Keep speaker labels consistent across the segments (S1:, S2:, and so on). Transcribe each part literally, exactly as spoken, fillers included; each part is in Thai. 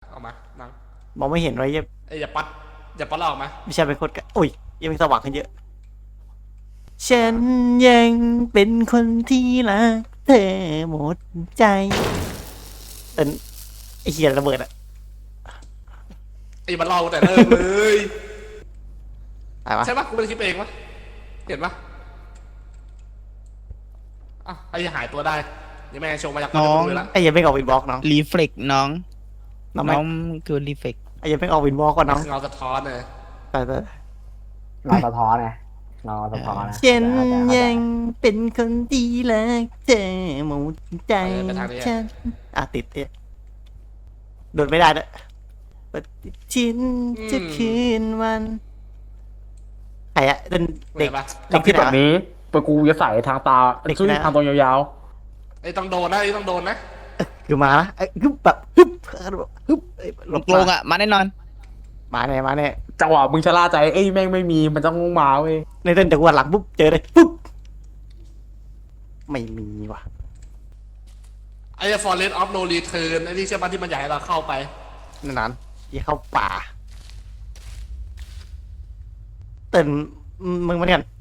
S1: ออกมานัง
S2: มองไม่เห็นไว้ยัง
S1: เอ้ยอย่าปัดอย่าปัดเราออกมา
S2: ไม่ใช่เป็นคนกันอุ้ยยังเป็นสว่างขึ้นเยอะฉันยังเป็นคนที่รักเธอหมดใจเอ็นไอเหี้ยระเบิดอะ
S1: ไอ้มันเราแต่เริ่มเลย
S2: อะไรวะ
S1: ใช่ปะกูไม่ได้คิดเองปะเห็นปะอ่ะไอ้หายตัวได้ยังแม่งโชว์มาจาก
S3: น้อง
S1: เลยละ
S2: ไอ้ยังไม่ออกวินบล็อกน้อง
S3: รีเฟล็กน้อง
S2: น้อง
S3: น้องคือรีเฟล็ก
S2: ไอ้ยังไม่ออกวินบล็อกก่อนน้อง
S1: เงาสะท้อนเลย
S2: ไปไป
S4: เราสะท้อนไงเราสะท้อนนะ
S2: ฉันยังเป็นคนที่รักเธอหมดใจฉันอ่ะติดเนี่ยโดดไม่ได้ด้วยปฏิทินจะคืนวันใครอะเด็กเด็ก
S1: ปะ
S2: เด็กที่ไหน
S4: แบบ
S2: วะ
S4: นี้ปกูจะใส่ทางตา
S2: เด็ก
S4: ซึ่ง
S2: นะ
S4: ทางตรงยาว
S1: ไอ้ต้องโดนนะไอ้ต้องโดนนะ
S2: คือมาละฮึบแบบฮึบฮึบหลบ
S3: ลงอ่ะ มาแน่นอน
S2: มาแน่มาแน่
S4: ๆจังหวะมึงชะล่าใจเอ้ยแม่งไม่มีมันต้องมาเว้ย
S2: ในเต้นแต่ว่าหลังปุ๊บเจอเลยปุ๊บไม่มีว่ะ
S1: ไอ้ Forest of No Return ไอ้ที่เชื่อปะที่มันอยากให้เราเข้าไป
S2: นั่นยี่เข้าป่าเต้นมึงมาเนี่ย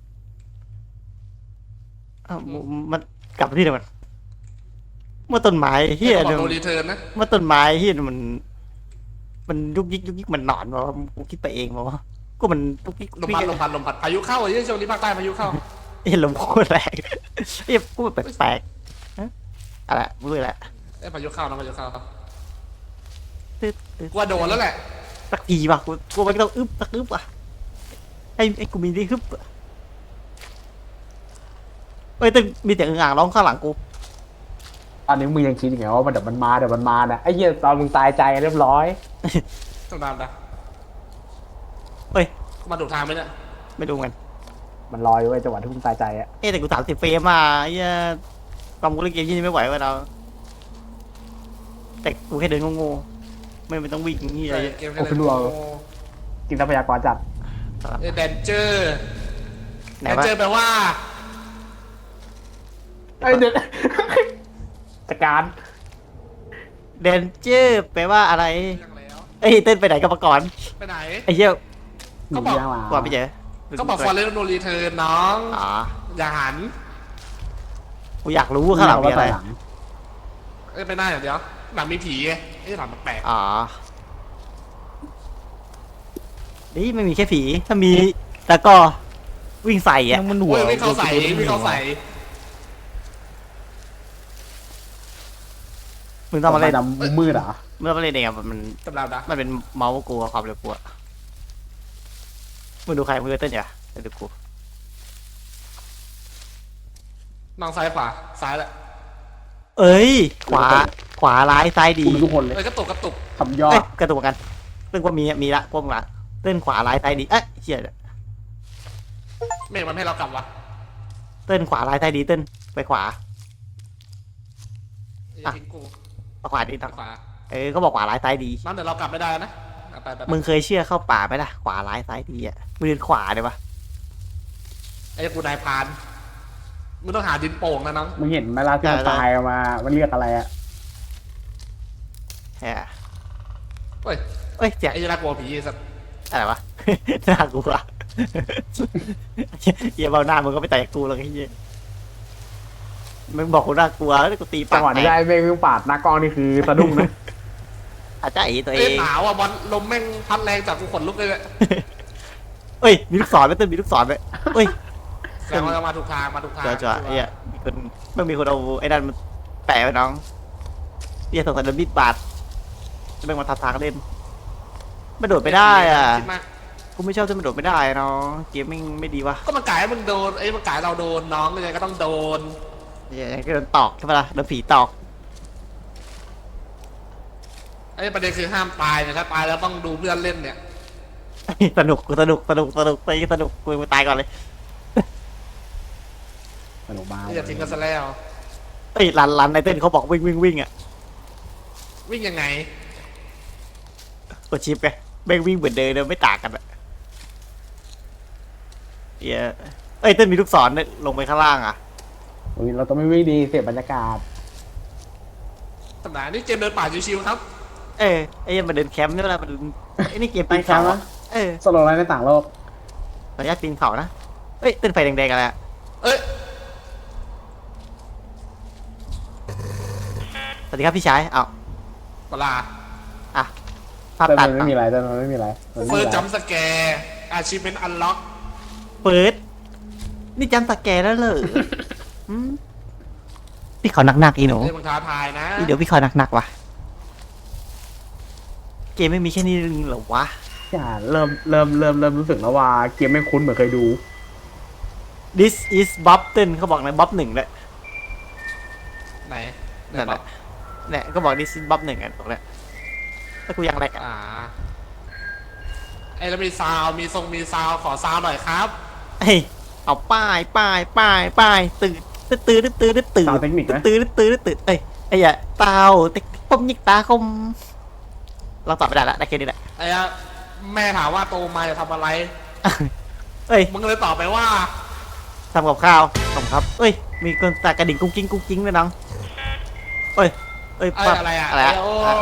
S2: มันกลับไปที่เดิมมันเมื่อต้นไม้เฮีย
S1: ไอ้
S2: เนี่ย
S1: บอก No Return นะ
S2: เมื่อต้นไม้เฮียมัน มันยุกยิกยุกยิกมันหนอนวะกูคิดไปเองวะก็มันยุกยิก
S1: ลมพัดลมพัดลมพัดพายุเข้าไอ้ที่ช่วงนี้ภาคใต้พายุเข้า
S2: เห็นลมโคตรแรงเฮียกูแปลกๆฮะอะไรมึงอะไร
S1: ไอ้พายุเข้านะพายุเข้า
S2: ตึ๊ดตึ๊ด
S1: กูว่าโดนแล้วแหละ
S2: สักทีว่ะกูกูไม่ต้องอึ๊บสักอึ๊บว่ะไอ้ไอ้กูมีที่ฮึบเอ้ยแต่มีแต่อึ่งอ่างร้องข้างหลังกู
S4: ตอนนี้มึงยังคิดอย่างไงว่ามันเดี๋ยวมันมาเดี๋ยวมันมานะไอ้เหี้ยตอนมึงตายใจเรียบร้อย
S1: ต้องตามนะ
S2: เอ้ย
S1: กูมาดูทางไหมเนี่ย
S2: ไม่ดูกัน
S4: มันลอยไว้จังหวะที่มึงตายใจอะ
S2: เอ้ยแต่กูสามสิบเฟรมอ่ะไอ้เหี้ยความกูเล่นเกมยี่นี่ไม่ไหวเว้ยเราแต่กูแค่เดินโง่ๆไม่ไม่ต้องวิ่งนี่อะไรเยอะ
S1: เกมแค่ไหน
S4: กินทรัพยากรจัด
S1: เอ้ยแดนเจอร์
S2: ไหน
S1: แดน
S2: วะ
S1: เจอร์แปลว่า
S4: ไอ้เด็ก จัดการ
S2: เดนเจอร์แปลว่าอะไร
S1: เรื่องแล้ว
S2: เอ้ยเต้นไปไหนกับมาก่อน
S1: ไปไหน
S2: ไอ้เหี้ย
S1: เขาบอก
S2: กว่าไปเจอ
S1: เขาบอก Forest of No Return น้อง
S2: อ๋อ
S1: อย่าหัน
S2: กูอยากรู้ข้างหลังมีอะไร
S4: หลัง
S1: เอ้ยไปหน้าอย่างเดียวหลังมีผีไงไอ้หลังมันแปลก
S2: อ๋อนี่ไม่มีแค่ผีถ้ามีแล้วก็วิ่งใส่อ่ะ
S3: ยังมันหัว
S1: โอ้ยไม่เข้าใส่ไม่เข้าใส่
S2: มึงต้องมาเล่น
S4: ดำมืดเหรอ
S2: มึงต้องมาเล่นเองอ่ะมัน
S1: ตำรานะ
S2: มันเป็นเมาส์กูความเร็วกูอะมึงดูใครมึงดูเต้นอย่าเดี๋ยวดูกู
S1: น้องซ้ายขวาซ้ายแหละ
S2: เอ้ย ขวาขวาร้ายซ้ายดี
S4: กูมีทุกคนเลย
S1: เอ้ยกระตุกกระตุก
S4: ทำยอ
S2: เอ้
S4: ด
S2: ยกระตุกกันเต้นก็มีมีละพวกมึงละเต้นขวาร้ายซ้ายดีเอ้ยเชี่ย
S1: เมฆมันให้เรากลับวะ
S2: เต้นขวาร้ายซ้ายดีเต้นไปขวา
S1: อย่าทิ้งกู
S2: เอาขวาดี
S1: ทา
S2: ตั
S1: ง
S2: ง
S1: ขวา
S2: เออเขาบอกขวาร้ายซ้ายดี
S1: น้องเดี๋ยวเรากลับไม่ได้นะเอาไปไปไป
S2: มึงเคยเชื่อเข้าป่าไหมล่ะขวาร้ายซ้ายดีอ่ะมึงเดินขวาเลยวะ
S1: ไอ้กูนายพรานมึงต้องหาดินโป่งนะน้อง
S4: มึงเห็นไหมล่ะที่มันตายออกมา มันเรียกอะไรอะ
S2: แฮะ
S1: เฮ้ย
S2: เอ้ยเจ๊
S1: ไอ้ยน่ากลัวผีไอ้สัตว์
S2: อะไรวะ น่ากลัวเหี้ยเบาหน้ามึงก็ไปแตะกูแล้วไอ้เหี้ยมึงบอกกูน่ากลัวแล้วกูตี
S4: จั
S2: ปาง ก
S4: หวะ
S2: แต
S4: ที่ได้
S2: ก
S4: เมฆวิ่งปาดหน้ากล้องนี่คือสะดุ้งนะ
S2: อาจจะไอ้ตัวเอ
S1: เอ้ย
S2: ง
S1: หนาวอ่ะบอลลมแม่งพัดแรงจากกูขนลุกเลยเนี่ย
S2: เอ้ยมีลูกศรไหมเต้นมีลูกศรไหมเอ้ย
S1: แสดงว่าเรามาถูกทางมาถูกทาง
S2: จ่อจ่อไอ้เหี้ยมีคนไม่มีคนเอาไอ้นั่นมันแปะไว้น้องเหี้ยสงสัยโดนมีดบาดจะเป็นมาทับทางเล่นไม่โดดไม่ได้อ่ะ
S1: คิดมาก
S2: กูไม่ชอบที่มันโดดไม่ได้เนาะเกมไม่ไม่ดีวะ
S1: ก็มันกายให้มึงโดนไอ้ยมันกายเราโดนน้องยังไงก็ต้องโดน
S2: เหี้ยก็โดนตอกใช่ปะล่ะโดนผีตอก
S1: ไอ้ประเด็นคือห้ามตายเนี่ยถ้าตายแล้วต้องดูเพื่อนเล่นเนี่ย
S2: สนุกกูสนุกสนุกสนุกไปสนุกกูไปตายก่อนเลย
S4: สนุกมาก
S1: อย่าทิ้งกันซะแล้ว
S2: เอ้ยรันรันในเต้นเขาบอกวิ่งวิ่งวิ่งอ่ะ
S1: วิ่งยังไง
S2: กดชิปไงแม่งวิ่งเหมือนเดิมเลยไม่ต่างกันอะเหี้ยเอ้ยเต้นมีลูกศรเนี่ยลงไปข้างล่างอ่ะ
S4: โอ้ยเราต้องไม่วิ่งดีเสียบรรยากาศ
S1: ตำนานนี่เกมเดินป่าชิวๆครับ
S2: เออไอ้เหี้ยมันเดินแคมป์นี่เวลามันไอ้นี่เกม
S4: ไป
S2: ปีน
S4: แค
S2: เขา
S4: มป์
S2: อะ
S4: นะ
S2: เออ
S4: สโลว์ไลน์ในต่างโลก
S2: ขออนุญาตปีนเขานะเอ้ยเต้นไฟแดงๆอะไรอะ
S1: เอ้ย
S2: สวัสดีครับพี่ชายอ้าว
S1: เวลา
S2: อ่ะภาพ
S4: แต่
S2: ตั
S4: มั
S2: ด
S4: นไม่มีอะไรแต่มันไม่มีอะไรมันไม่
S1: เฟิ
S4: มี
S1: ร์ส
S4: อะไร
S1: จัมป์สแกร์อาชีพเป็นอันล็อก
S2: เปิดนี่จำสแกนแล้วเหรออืมพี่ขอหนักๆอีหนู
S1: เรื่องมึงท้าทายนะ
S2: อีเดี๋ยวพี่ขอหนักๆว่ะเกมไม่มีแค่นี้เหรอวะ
S4: อย่าเริ่มเริ่มเริ่มเริ่มรู้สึกแล้วว่าเกมไม่คุ้นเหมือนเคยดู
S2: This is Boston เขาบอกในบ๊อบหนึ่งเลย
S1: ไหนไหน
S2: นั่น
S1: บ
S2: แห
S1: อ
S2: ละ
S1: ก
S2: เนี่ยก็บอก This is บ๊อบหนึ่งกันตรงเนี้ยถ้ากูยังแรกอ่ะ
S1: อ่าไอ้แล้วมีซาวมีทรงมีซาวขอซาวหน่อยครับ
S2: เฮ้ยเอาป้ายป้ายป้ายป้ายตื่นตื่นตื่นตื่นตื่นตื่น
S4: สาวเทคนิคไหม
S2: ตื่นตื่นตื่นเอ้ยไอ้ยะเต่าเต็กปมยิกตาคมเราตอบไม่ได้ละได้แค่นี้แหละ
S1: ไอ้อะแม่ถามว่าโตมาจะทำอะไร
S2: เอ้ย
S1: มึงเลยตอบไปว่า
S2: ทำกับข้าวขอบคุณครับเอ้ยมีคนตากระดิ่งกุ้งกิ้งกุ้งกิ้งด้วยน้องเอ้ยเอ้ย
S1: เอ้ย
S2: ปั๊บ
S1: อะไรอะ
S2: อะไรอะ
S1: ไอ้โอ้
S2: อ่ะโอ้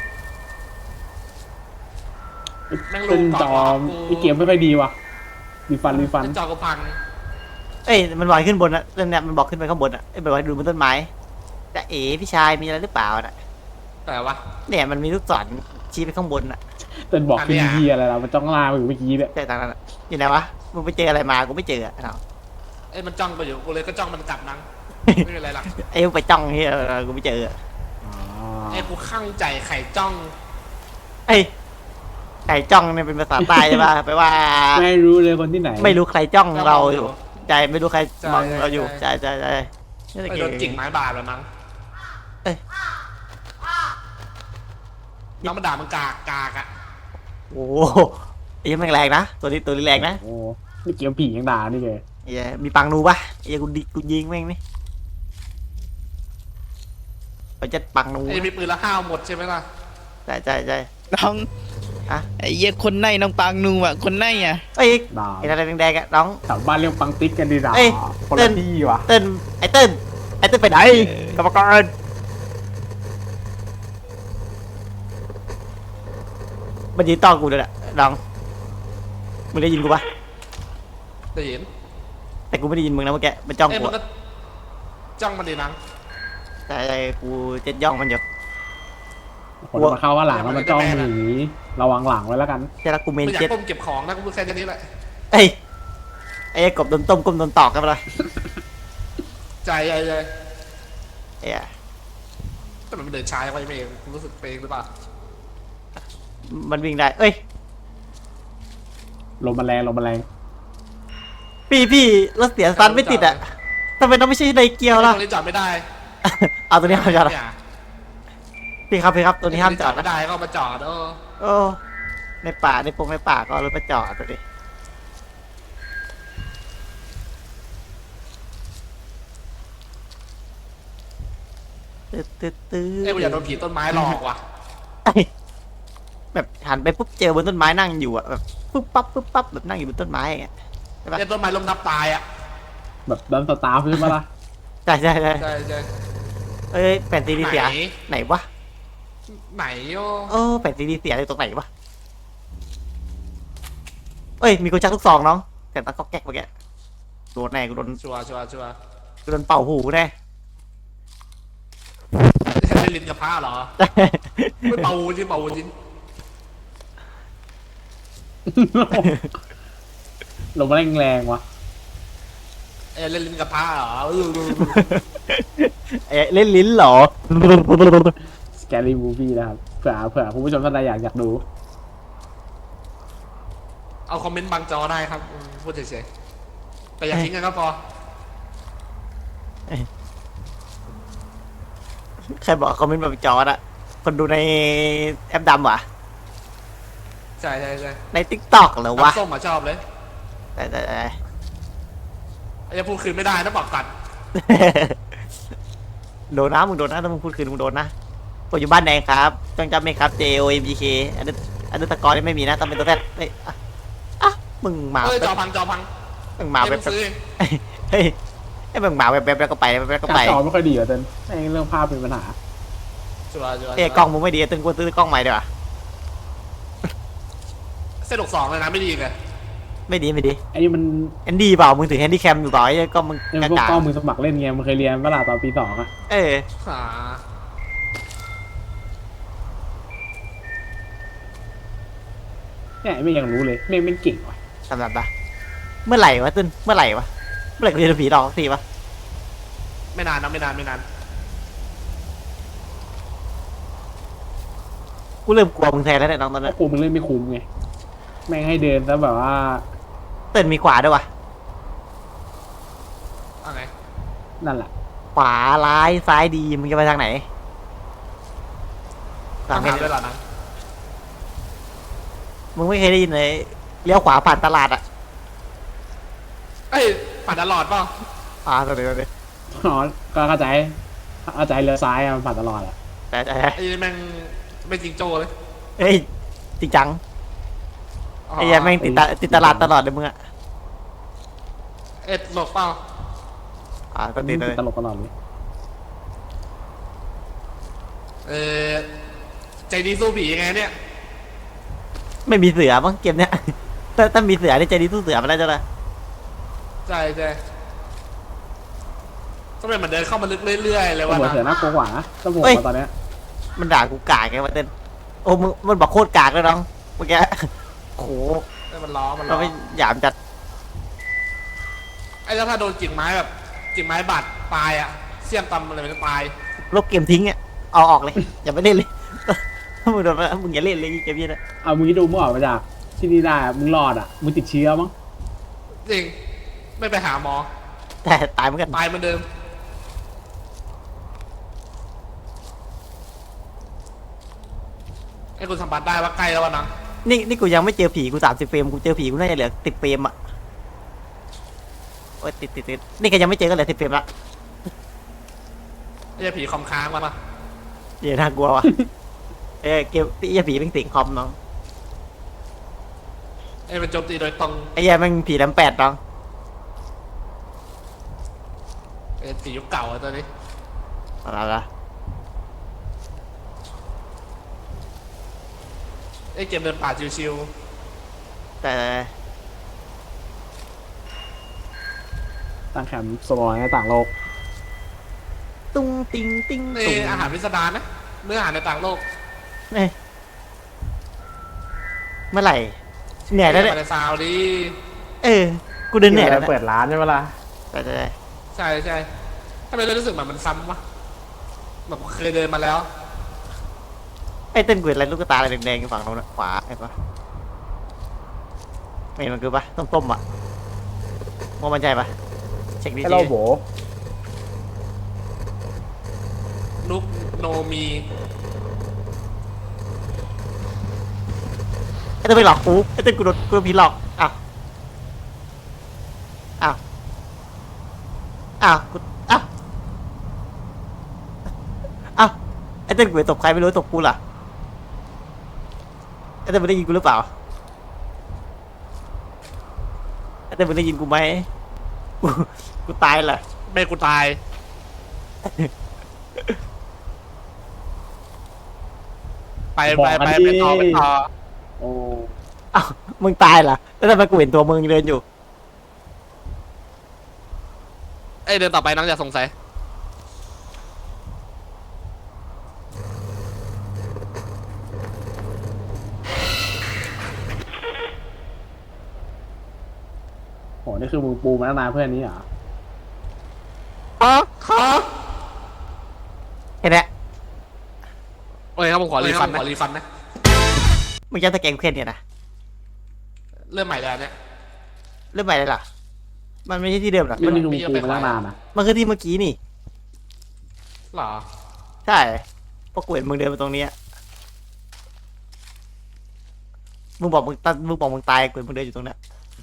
S1: แม่ง
S4: เป็
S1: ลู
S4: น
S1: ก
S4: จ
S1: ก่
S4: อ
S1: อน
S4: มไอเกมไม่ค่อยดีว่ะรีฟันรีฟัน
S1: เป็นจอกระพัง
S2: เอ้ยมันบอกให้ขึ้นบนอะเนี่ยมันบอกขึ้นไปข้างบนอะเอ้ยบอกให้ดูบนต้นไม้จะเอ๋พี่ชายมีอะไรหรือเปล่าน่ะ
S1: แต่ว่า
S2: เนี่ยมันมีลูกศรชี้ไปข้างบนอะ
S4: เป็นบอก
S1: อัน
S4: เป็น
S1: เนี้ย
S4: เฮียอะไรล่ะมันจ้องลาไปอยู่เมื่อกี้เนี่ย
S2: ใช่ตามนั้นอะอยู่ไหนวะมึงไปเจออะไรมากูไม่เจออะเอา
S1: เอ้ยมันจ้องไปอยู่กูเลยก็จ้องมันกลับนังไม่เป็นไรหรอก
S2: ไอ้มึงไปจ้องเฮียเออกูไม่เจออะ
S4: อ๋อ
S1: ไอ้กูข้างใจไข่จ้อง
S2: เอ้ยไก่จ้องเนี่ยเป็นภาษาใต้ใช่ป่ะแปลว่า
S4: ไม่รู้เลยคนที่ไหน
S2: ไม่รู้ใครจ้องเราอยู่ใจไม่รู้ใคร
S1: ใช่
S2: มองเรา
S1: ใช่
S2: อยู่ใจใจใจนี่
S1: ไอ้
S2: ตะ
S1: โด
S2: เกีย
S1: นกิ่งไม้บาดแล้วมั้ง
S2: เอ้ย
S1: น้องมันด่ามึงกากกากอะ
S2: โอ้โหไอ้ยังแม่งแรงนะตัวนี้ตัวนี้แรงนะ
S4: โอ้นี่เกมผียังด่านี่ไง
S2: ไอ้เหี้ยมีปังนูปะไอ้เหี้ยกูดิกูยิงแม่งนี่ไปจัดปังนู
S1: ไอ้มีปืนละห้าวหมดใช่ไหมล่ะ
S2: ใช่ใช่ใช่
S3: น้อง
S2: ฮะ
S3: ไอ้เหี้ยคนในน้องปางนูอ่ะคนในอ่ะ
S2: เอ้ย
S4: ด่า
S2: ไอ้อะไรแดงๆอะน้อง
S4: แถวบ้านเรียกปังติ๊กกันดีด่า
S2: เอ้ย
S4: คน
S2: เต้
S4: ละ
S2: น
S4: ที่ว่ะ
S2: เต้นไอ้เต้นไอ้เต้นไปไหนกรรมการมันยืนต้อนกูเลยแหละน้องมึงได้ยินกูปะ
S1: ได้ยิน
S2: แต่กูไม่ได้ยินมึงนะเมื่อกี้มันจ้อง
S1: เอ้ย
S2: กู
S1: มัน
S2: อะ
S1: ก็จ้องมันดีนัง
S2: แต่กูเจ็ดย่องมันอยู่
S4: คนมาเข้าว่าหลังแล้วมันจ้องหนีระวังหลังไว้แล้วกัน
S2: ใช่แล้วกูเมน
S1: ไม่อยาก
S2: เจ็ด
S1: ก้มเก็บของนะกูพูดแค่นี้แหละ
S2: เอ้ยไอ้กบโดนต้มกบโดนตอกกันไปเลย
S1: ใจใจใจ
S2: เอ้ย
S1: แต่มันเดินช้าไปเองกูรู้สึกเปงหรือเปล่า
S2: มันวิ่งได้เอ้ย
S4: ลมมันแรงลมมันแรง
S2: พี่พี่รถเสียซันไม่ติดอ่ะทำไมต้องไม่ใช่ในเกียวล่ะ
S1: ตรงนี้จอดไม่ได้
S2: เอาตัวนี้ห้ามจอดอะ
S1: เนี่ย
S2: พี่ครับพี่ครับตัวนี้ห้ามจอด
S1: ไม่
S2: นะ
S1: ได้ก็เอามาจอดเออ
S2: โอ้ในป่าในปงในป่าก็เอารถมาจอดตัวดิตึ๊ดตึ๊ดตึ๊ด
S1: เอ้ยกูอยากโดนผีต้นไม้หลอกว่ะ
S2: เอ้ยแบบหันไปปุ๊บเจอบนต้นไม้นั่งอยู่อ่ะแบบปุ๊บปั๊บปุ๊บปั๊บแบบนั่งอยู่บนต้นไม้อย่างเงี้ย
S1: เอ้ยต้นไม้ล้มทับตายอ่ะ
S4: แบบดันสตาร์ฟใช่ไหมล่ะ
S2: ใช่ใช่ใช่
S1: ใช่ใช่
S2: เอ้ยแผ่นซีดีเสีย
S1: ไหน
S2: ไหนวะ
S1: ไหนโย
S2: เออแผ่นซีดีเสียอยู่ตรงไหนวะเอ้ยมีกูชักลูกซองน้องแต่ตาก็แก๊กเมื่อกี้โดนแน่กูโดน
S1: ชัวร์ชัวร์ชัวร์
S2: กูโดนเป่าหูแน่
S1: เล่นลิ้นกับผ้าเหรอไม่เป่าจริงเป่าจริง
S4: ลมมันแรงแรงว่ะ
S1: เอ้ยเล่นลิ้นกับผ้าเหรอ
S2: เอ้ยเล่นลิ้นเหรอ
S4: สแกรี่มูฟี่นะครับเผื่อเผื่อคุณผู้ชมท่านใดอยากอยากดู
S1: เอาคอมเมนต์บางจอได้ครับอืมพูดเฉยๆแต่อย่าทิ้งกันก็พอ
S2: ใครบอกคอมเมนต์แบบจอดอะคนดูในแอปดำวะ
S1: ใช่ใช่ใช่
S2: ในทิกตอกเหรอวะ
S1: น้ำส้มมาชอบเลย
S2: แต่แต่แต่
S1: ไอ้จะพูดคืนไม่ได้นะบอกกัน
S2: โดนนะมึงโดนนะถ้ามึงพูดคืนมึงโดนนะผมอยู่บ้านแดงครับต้องจำไหมครับ J O M G K อันนี้อันนี้ตะกอนนี่ไม่มีนะต้องเป็นตัวแรกเฮ้ยอ่ะอ่ะมึงมา
S1: เอ้ยจอ
S2: แบบ
S1: พังจอพัง
S2: มึงมาแบบ
S1: เอ้ยงซื้อเอง
S2: เฮ้ยไอ้มึงมาแบบแบบแล้วก็ไปแบบแล้วก็
S4: กา
S2: ไป
S4: รจอไม่ค่อยดีเหรอเต้นแม่งเรื่องภาพเป็นปัญหา
S1: จัวจัว
S2: เอ้ยกล้องมึงไม่ดีตึงกูซื้อกล้องใหม่ดีกว่า
S1: เส้นหกสองเลยนะไม่ดีเลย
S2: ไม่ดีไม่ดี
S4: ไอ้นี่มัน
S2: แอนดี้เปล่ามึงถือแฮนดี้แคมอยู่เปล่าไอ้กล้องมึง
S4: ไอ้
S2: ก
S4: พวก
S2: าก
S4: ล้องมือสมัครเล่นไงมึงเคยเรียนเวลาตอนปีสองอะ
S2: เออ
S1: หา
S4: เนี่ยไม่ยังรู้เลยแม่งไม่เก่งว่ะ
S2: สำหรับปะเมื่อไหร่วะตึ้นเมื่อไหร่วะเมื่อไหร่กูจะโดนผีหลอกสักทีวะ
S1: ไม่นานนะไม่นานไม่นาน
S2: กูเริ่มกลัวมึงแทนแล้วเนี่ยน้องตอน
S4: เพ
S2: นี้
S4: ราะกูมันเล่นไม่คุ้มไงแม่งให้เดินแล้วแบบว่า
S2: เต้นมีขวาด้วยวะ
S1: เอาไง
S4: นั่นแหละ
S2: ขวาร้ายซ้ายดีมึงจะไปทางไหน
S1: ต้
S2: ทา
S1: อง ง
S2: ไหน
S1: ถามด้วยเหรอนะ
S2: มึงไม่เคยได้ยินเลยเลี้ยวขวาผ่านตลาดอ่ะ
S1: เอ้ยผ่านตลอดเปล่า
S2: อ่าตัวเดียวเลย
S4: อ๋อก็เข้าใจเข้าใจเลี้ยวซ้ายอะมันผ่านตลอดอะ
S2: แต่แต่
S1: ไอ้นี่แม่งไม่จริงโจ้เลย
S2: เฮ้ยจริงจัง
S1: อ๋อ
S2: ไอ้เหี้ยัแม่งติดตาติดตลาดตลอดเลยมึงอ่ะ
S1: เอ็ดหลบเปล่า
S2: อ่าตัวติดเลย
S4: ตลกตลอดเลย
S1: เออใจดีสู้ผียังไงเนี่ย
S2: ไม่มีเสือมั้งเกมเนี้ย ถ้าถ้ามีเสือนี่ใจดีสู้เสือมาแล้วจ้ะนะ
S1: ใช่ใช่ก็เป็นเหมือนเดินเข้ามาลึกเรื่อยๆเลย
S4: ตำ
S1: ว่าร
S4: วจ
S1: นะ
S4: เสือน่ากลัวกว่านะตำรวจมาตอนเนี้ย
S2: มันด่ากูกากไงวะเต้นโอ้มึงมันบอกโคตรกากเลยน้องเมื่อกี้โห
S1: เอ้ยมันล้อมันล้
S2: เรา
S1: อ
S2: ไม่หยามจัด
S1: ไอ้แล้วถ้าโดนกิ่งไม้แบบกิ่งไม้บาดตายอ่ะเสี้ยมตำอะไรมันจะตาย
S2: ลบเกมทิ้งอ่ะเอาออกเลย อย่าไปเล่นเลย ถ้ามึงโดนมึงอย่าเล่นเลยเกมนี้นะ
S4: เอามึงที่ดูมึงออกมาจากที่นี่ได้อะมึงรอดอ่ะมึงติดเชื้อมั้ง
S1: จริงไม่ไปหาหมอ
S2: แต่ตายเหมือนกัน
S1: ตายเหมือนเดิมไอ้คุณสัมผัสได้ว่าใกล้แล้ววะนะ
S2: นี่นี่กูยังไม่เจอผีกูสามสิบเฟรมกูเจอผีกูน่าจะเหลือติดเฟรมอ่ะโอ้ยติดติดติดนี่ก็ยังไม่เจอก็เหลือสิบเฟรมละ
S1: ไอ้ผีคอมค้างมาปะ
S2: เดี๋ยวน่ากลัวว่ะ เอ้ยเกมไอ้เหี้ยผีเป็นสิงคอมน้อง
S1: ไอ้เป็นโจมตีโดยตรง
S2: ไอ้เหี้ยแม่งผีแหลมแปดน้อง
S1: ไอ้ผียุคเก่าอะตัวนี้
S2: อะไรละ
S1: ไอ้เกมเดินป่าชิว
S2: แต่
S4: ตั้งแคมป์สโลว์ในต่างโลก
S2: ตุ้งติงติ้ง
S1: ๆนี่
S2: ตุ้ง
S1: อาหารพิสดารนะเนื้ออาหารในต่างโลก
S2: เอ้ยเมื่อไหร่เหนื่อยแล้วเนี่ย
S1: ในซาวดี
S2: เออกูเดินเหนื่อยแล้ว
S4: เปิ
S2: เนี่ย
S4: ดร้านใช่ไหมล่ะ
S2: แต่แต่
S1: ใช่ใช่ทำไมเรารู้สึกแบบมันซ้ำวะแบบเคยเดินมาแล้ว
S2: ไอ้เต้นกูเห็นอะไรลูกตาอะไรแดงๆอยู่ฝั่งโน้นนะขวาไอ้ปะไม่เห็นมันคือปะต้มๆอ่ะมองมันใจปะเช็คดี
S4: ให้
S2: ๆ
S4: เราโบ
S1: นุกโนมี
S2: ไอ้เต้นไปหลอกกูไอ้เต้นกูโดนกูโดนผีหลอกอ้าวอ้าวอ้าวกูอ้าวอ้าวไอ้เต้นกูไปตบใครไม่รู้ตบกูเหรอไอ้เต้นมึงได้ยินกูหรือเปล่าไอ้เต้นมึงได้ยินกูไหมกูกูตายเหรอ
S1: แม่กูตาย ไปไปไปไปต่อไปต่อ
S4: โอ้
S2: อ้าวมึงตายเหรอแล้วทำไมกูเห็นตัวมึงเดินอยู่
S1: เอ้ยเดินต่อไปน้องอย่าสงสัย
S4: โหนี่คือมึงปูมาตั้งนานเพื่อนนี้เหรอ
S1: อ๋อขอ
S2: เห็นไหม
S1: โอเคครับผมขอรีฟันนะขอรีฟันนะ
S2: มึงจะตะแกรงเพื่อนเนี่ยนะ
S1: เริ่มใหม่แล้วเนี่ย
S2: เริ่มใหม่เลยเหรอมันไม่ใช่ที่เดิมเหรอ
S4: นี่นี่คือมึงปูมาตั้งนานนะ
S2: มันคือที่เมื่อกี้นี่
S1: หรอ
S2: ใช่เพราะกูเห็นมึงเดินมาตรงเนี้ยมึงบอกมึงตามึงบอกมึงตายกูเห็นมึงเดินอยู่ตรงเนี้ย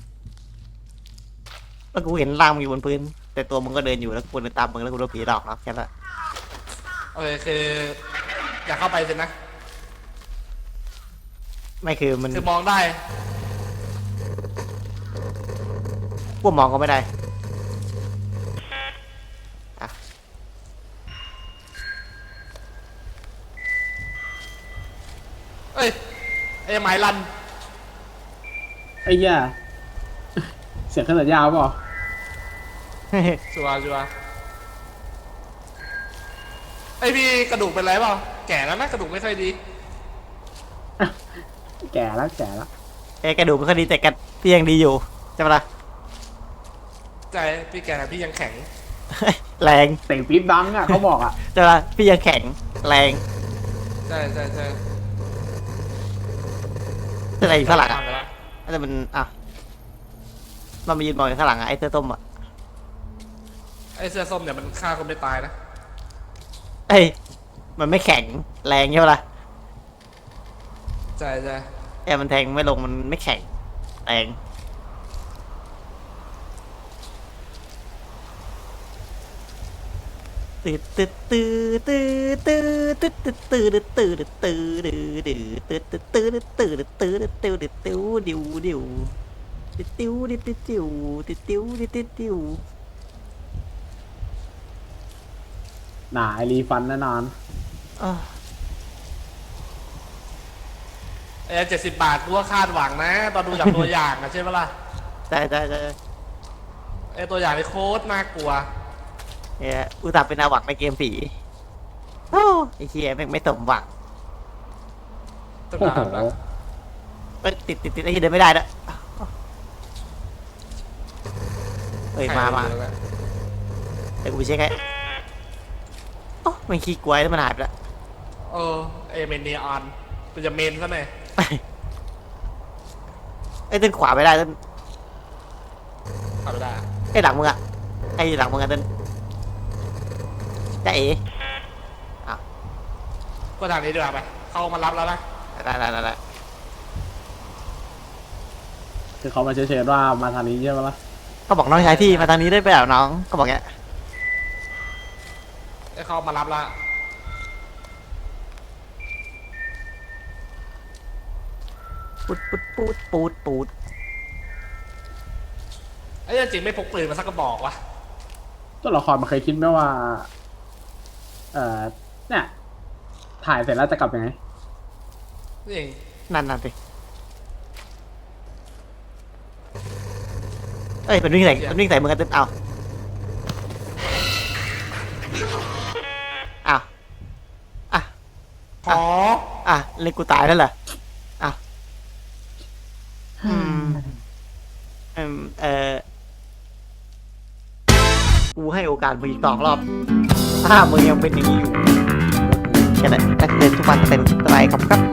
S2: แล้วกูเห็นร่างมึงอยู่บนพื้น แต่ตัวมึงก็เดินอยู่แล้วกูเดินตามมึงแล้วกูโดนผีหลอกเนาะแค่นั้นแหละ
S1: โอเคคืออยากเข้าไปสินะ
S2: ไม่คือมัน
S1: คือมองได้
S2: พวกมองก็ไม่ได้อะ
S1: ไอ้ไม้ลั่น
S4: ไอ้เหี้ยเสียงขนาดยาวเปล่า
S1: ชัวร์ชัวร์ไอพี่กระดูกเป็นไรเปล่าแก่แล้วนะกระดูกไม่ค่อยดี
S4: แก่แล้วแก่แล้ว
S2: เอ้กระดูกไม่ค่อยดีแต่กระพี่ยังดีอยู่ใช่ปะล่ะ
S1: ใจพี่แก่แต่พี่ยังแข็ง
S2: แรง
S4: เต่งปี๊บดังอ่ะเขาบอกอ่ะ
S2: ใช่ปะล่ะพี่ยังแข็งแรง
S1: ใช่ใช่ใช่
S2: อะไรอยู่ข้างหลังอ่ะ
S1: ไปแล้ว
S2: แต่มันอ่ะมันมายืนมองอยู่ข้างหลังอ่ะไอ้เสื้อส้มอ่ะ
S1: ไอเสื้อส้มเนี่ยมันฆ่าคนไม่ตายนะ
S2: เอ้ยมันไม่แข็งแรงใช่ปะล่ะ
S1: ใช่ใช่
S2: แอมันแทงไม่ลงมันไม่แข็งแรงตืดตืดตืดตืดตืดตืดตืดตืดตืดตืดตืดตืดตืดตืดตืดตืดตืดตืดติ้วดิวดิวติ้วดิติ้วติ้วติ้วดิติ้วติ้ว
S4: หนาไอรีฟันแน่นอน
S2: อ่ะ
S1: ไอเจ็ดสิบบาทกูว่าคาดหวังนะ ตอนดูจากตัวอย่างอะใช่ปะล่ะ
S2: ใช่ใช่ใช่
S1: ไอตัวอย่างนี่โคตรน่ากลัว
S2: เนี่ยอุตส่าห์เป็นอาหวังในเกมผีโอ้ไอ้เหี้ยแม่งไม่สมหวัง
S1: ตึก
S4: โอ้
S1: ห
S4: โห
S1: นาแล้ว
S2: เอ้ยติดติดติดไอ้เหี้ยเดินไม่ได้ด้วยเฮ้ยมามาเดี๋ยวกูไปเช็คให้โอ้มันขี้กลัวแล้วมันหายไปแล้ว
S1: เออเอเมนเนียออนมันจะเมนซะหน่อย
S2: ไอ้ยเต้นขวาไม่ได้เต้น
S1: ทำไม่ได้อะ
S2: ไอ้หลังมึงอะไอ้หลังมึงอะเต้นจะเอ๋
S1: ก็ทางนี้ดีกว่าไปเข้ามารับแล้วนะ
S2: ได้ได้ได้ได้
S4: คือเขามาเชิญว่ามาทางนี้ใช่ไหมล่ะ
S2: ก็บอกน้องชายพี่มาทางนี้ได้ไปแล้วน้องก็บอกเงี้ย
S1: ไอเข้ามารับแล้ว
S2: ปูดปูดปูดปูดปูด
S1: ไอ้เหี้ยจริงไม่พกปืนมาสักกระบอกวะ
S4: ตัวละครมันเคยคิดไหมว่า เอ่อเนี่ยถ่ายเสร็จแล้วจะกลับยังไง
S1: นี่เอง
S2: นั่นนั่นสิเอ้ยมันวิ่งใส่มันวิ่งใส่มึงกันเต้นเอาอ้าวอ่ะ
S1: ขอ
S2: อ่ะเล่นกูตายแล้วเหรออ่ะอืมอืมเออกูให้โอกาสมึงอีกสองรอบ ถ้ามึงยังเป็นอย่างนี้อยู่แค่นั้นนักเรียนทุกวันเต็มสบายครับครับ